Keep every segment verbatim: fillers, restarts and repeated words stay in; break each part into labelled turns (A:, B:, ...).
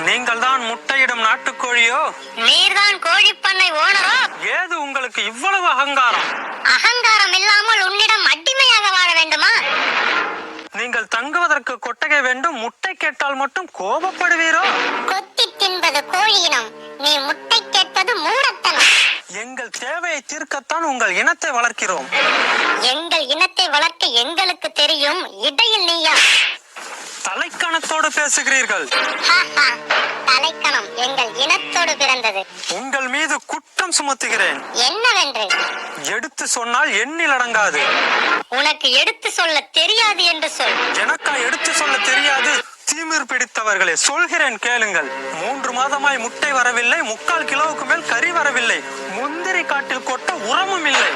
A: நீங்கள் தான் முட்டையிடும் நாட்டுக்கோழியோ?
B: நீர்தான் கோழி பண்ணை ஓனரோ?
A: ஏது உங்களுக்கு இவ்வளவு அகங்காரம்?
B: அகங்காரம் இல்லாமல் உன்னிடம் அடிமையாக வாழ வேண்டுமா?
A: நீங்கள் தங்குவதற்கு கொட்டகை வேண்டும், முட்டை கேட்டால் மட்டும் கோபப்படுவீரோ?
B: கொத்தி தின்பது கோழியினம், நீ முட்டை கேட்பது மூடத்தனம்.
A: எங்கள் தேவையை தீர்க்கத்தான் உங்கள் இனத்தை வளர்க்கிறோம்.
B: எங்கள் இனத்தை வளர்க்க எங்களுக்கு தெரியும், இடையில் நீயா?
A: தலைக்கணத்தோடு பேசுகிறீர்கள்.
B: தலைக்கணம் எங்கள் இனத்தோடு பிறந்தது.
A: உங்கள் மீது குற்றம் சுமத்துகிறேன்.
B: என்னவென்று?
A: எடுத்து சொன்னால் எண்ணில் அடங்காது.
B: உனக்கு எடுத்து சொல்ல தெரியாது என்று சொல்.
A: எனக்கா எடுத்து சொல்ல தெரியாது? தீமிர் பிடித்தவர்களே, சொல்கிறேன் கேளுங்கள். மூன்று மாதமாய் முட்டை வரவில்லை, முக்கால் கிலோவுக்கு மேல் கறி வரவில்லை, முந்திரி காட்டில் கொட்ட உரமும் இல்லை.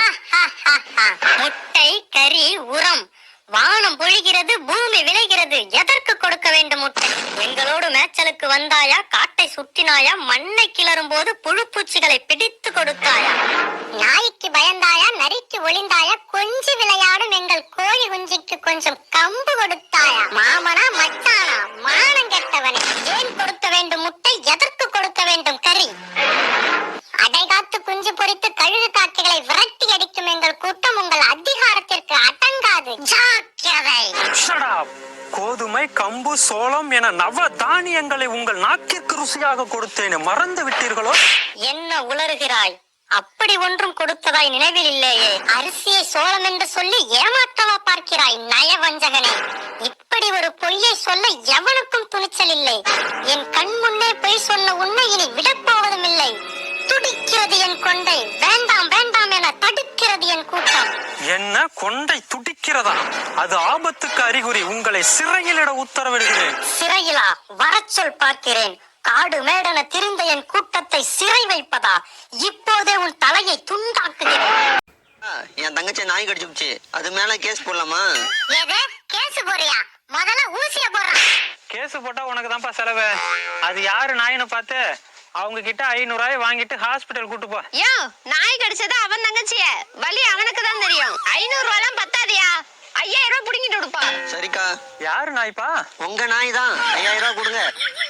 B: முட்டை, கறி, உரம், வானம் பொழிகிறது, பூமி விளைகிறது, எதற்கு கொடுக்க வேண்டும் முட்டை? எங்களோடு மேய்ச்சலுக்கு வந்தாயா? காட்டை சுற்றினாயா? மண்ணை கிளறும் போது புழு பூச்சிகளை பிடித்து கொடுத்தாயா? நாய்க்கு பயந்தாயா? நரிக்கு ஒளிந்தாயா? கொஞ்சி விளையாடும் எங்கள் கோழி குஞ்சிக்கு கொஞ்சம் கம்பு கொடுத்தாயா? மாமனா மச்சானா? மானம் கெட்டவனே, ஏன் கொடுக்க வேண்டும் முட்டை? எதற்கு கொடுக்க வேண்டும் கறி? அடைகாத்து குஞ்சு பொறித்து கழுகு காக்கைகளை விரட்டி அடிக்கும் எங்கள் கூட்டம் உங்கள் அதிகாரத்திற்கு அடங்காது. ஜாக்கிரதை.
A: கோதுமை, கம்பு, சோளம் என நவ தானியங்களை உங்கள் நாக்கிற்கு ருசியாக கொடுத்தேன், மறந்து விட்டீர்களோ?
B: என்ன உளறுகிறாய்? அப்படி ஒன்றும் கொடுத்ததாய் நினைவில் இல்லையே. அரிசியை சோளம் என்று சொல்லி ஏமாற்றவா பார்க்கிறாய் நயவஞ்சகனே? இப்படி ஒரு பொய்யை சொல்ல எவனுக்கும் துணிச்சல் இல்லை. என் கண் முன்னே பொய் சொன்ன உன்னை இனி விடப்போவதும் இல்லை. துடிக்கிறது என் கொண்டை, வேண்டாம் வேண்டாம் என தடுக்கிறது என் கூட்டம்.
A: என்ன கொண்டை துடிக்கிறதா? அது ஆபத்துக்கு அறிகுறி. உங்களை சிறையிலிட உத்தரவிடுகிறேன்.
B: சிறையிலா? வரச்சொல் பார்க்கிறேன். காடு மேடன திரிந்த என் கூட்டத்தை சிறை வைப்பதா? இப்போதே உன் தலையை துண்டாக்குகிறேன்.
C: என் தங்கச்சி நாய் கடிச்சுச்சு, அது மேல கேஸ் போடலாமா?
B: ஏதே கேஸ் போறியா? முதல்ல ஊசிய போடுறா.
A: கேஸ் போட்டா உனக்கு தான்ப்பா செலவு. அது யாரு நாயின்னு பார்த்து அவங்க கிட்ட ஐநூறு ரூபாய் வாங்கிட்டு ஹாஸ்பிட்டல் கூட்டு போ.
D: யோ, நாய் கடிச்சது அவன் தங்கச்சிய, வலி அவனுக்கு தான் தெரியும். ஐநூறு ரூபாய் பத்தாதியா? ஐயாயிரம் ரூபாய் புடிங்கிட்டு கொடுப்பா.
C: சரிக்கா.
A: யாரு நாய்ப்பா?
C: உங்க நாய் தான். ஐயாயிரம் ரூபாய் கொடுங்க.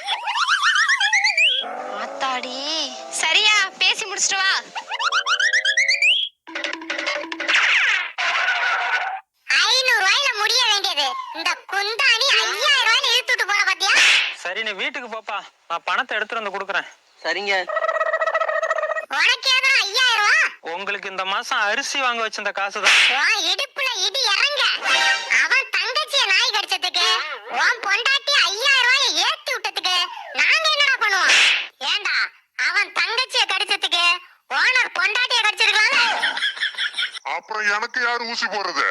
D: ஆத்தாடி, சரியா பேசி முடிச்சிட்டு வா.
B: ஐநூறு ரூபாயில முடிய வேண்டியது இந்த குந்தாணி ஐயாயிரம் ரூபாய் இழுத்துட்டு போற பாத்தியா?
A: சரி, நீ வீட்டுக்கு போப்பா, நான் பணத்தை எடுத்துட்டு வந்து கொடுக்குறேன்.
C: சரிங்க.
B: உனக்கு ஏதா ஐயாயிரம் ரூபாய்?
A: உங்களுக்கு இந்த மாசம் அரிசி வாங்க வச்சிருந்த காசுதான்.
B: உன் இடுப்புல இடி இறங்க. அவன் தங்கச்சிய நாய் கடிச்சதுக்கு உன் பொண்டாட்டி ஐயாயிரம் ரூபாய் ஏத்தி விட்டதுக்கு நாங்க என்னடா பண்ணுவோம்? ஏண்டா, அவன் தங்கச்சிய கடிச்சதுக்கு ஓனர் பொண்டாட்டிய கடிச்சிருக்கலாம்ல?
E: அப்புறம் எனக்கு யாரு ஊசி போடுறது?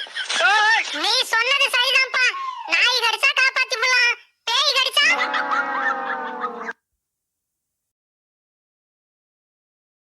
B: நீ சொன்னது சரிதான்ப்பா. நாய் கடிச்சா காப்பாத்தி போலாம், பேய் கடிச்சா